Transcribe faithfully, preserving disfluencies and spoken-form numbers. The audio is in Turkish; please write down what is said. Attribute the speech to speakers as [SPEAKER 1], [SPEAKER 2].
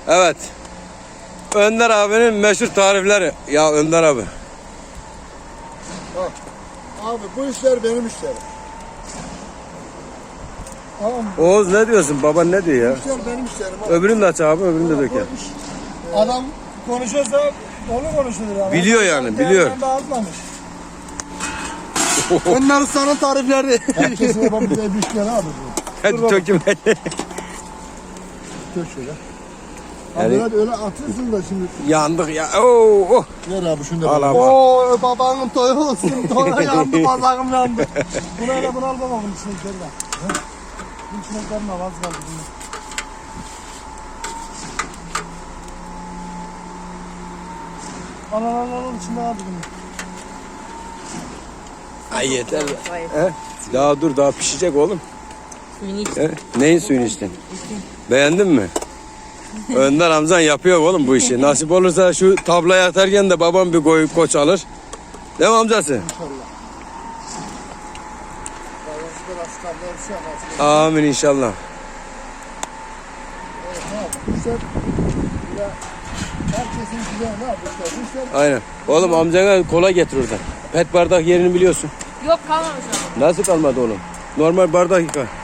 [SPEAKER 1] Evet. Önder abinin meşhur tarifleri. Ya Önder abi.
[SPEAKER 2] Bak. Abi bu işler benim işlerim. Tamam mı?
[SPEAKER 1] Oğuz ne diyorsun? Baban ne diyor ya?
[SPEAKER 2] Bu işler benim işlerim. Abi.
[SPEAKER 1] Öbürünü de aç abi, öbürünü de döker.
[SPEAKER 2] Adam konuşuyorsa onu konuşuyor yani.
[SPEAKER 1] Biliyor yani, biliyor.
[SPEAKER 2] Ben de azmamış. Önder Usta'nın tarifleri. Herkesin yapabileceği bir işler abi bu.
[SPEAKER 1] Hadi töküm.
[SPEAKER 2] Tök şöyle. Abi
[SPEAKER 1] Yani-
[SPEAKER 2] öyle, öyle atıyorsun da şimdi.
[SPEAKER 1] Yandık ya. Oo, oh.
[SPEAKER 2] Ver abi şunu da.
[SPEAKER 1] Al abi.
[SPEAKER 2] Oo babanın toyu olsun. Toyu yandı, bazağım yandı. Bunu öyle bunu al baba bunun içine giderler. Bunun içine giderme az kaldı bunu. Al al al al içinde kaldı bunu.
[SPEAKER 1] Ay yeter. He? Daha dur, daha pişecek oğlum.
[SPEAKER 3] Suyunu iç.
[SPEAKER 1] He? Neyin suyunu içtin? Beğendin mi? Önder amcan yapıyor oğlum bu işi. Nasip olursa şu tablayı atarken de babam bir koy, koç alır. Değil mi amcası?
[SPEAKER 2] İnşallah. Babası da rast kaldı bir şey yapar.
[SPEAKER 1] Amin inşallah.
[SPEAKER 2] Evet abi. İşte böyle herkesin güzel ne yapmışlar? Bu işler
[SPEAKER 1] Aynen. Oğlum amcana kola getir oradan. Pet bardak yerini biliyorsun.
[SPEAKER 3] Yok kalmamış ama.
[SPEAKER 1] Nasıl kalmadı oğlum? Normal bardak yıka.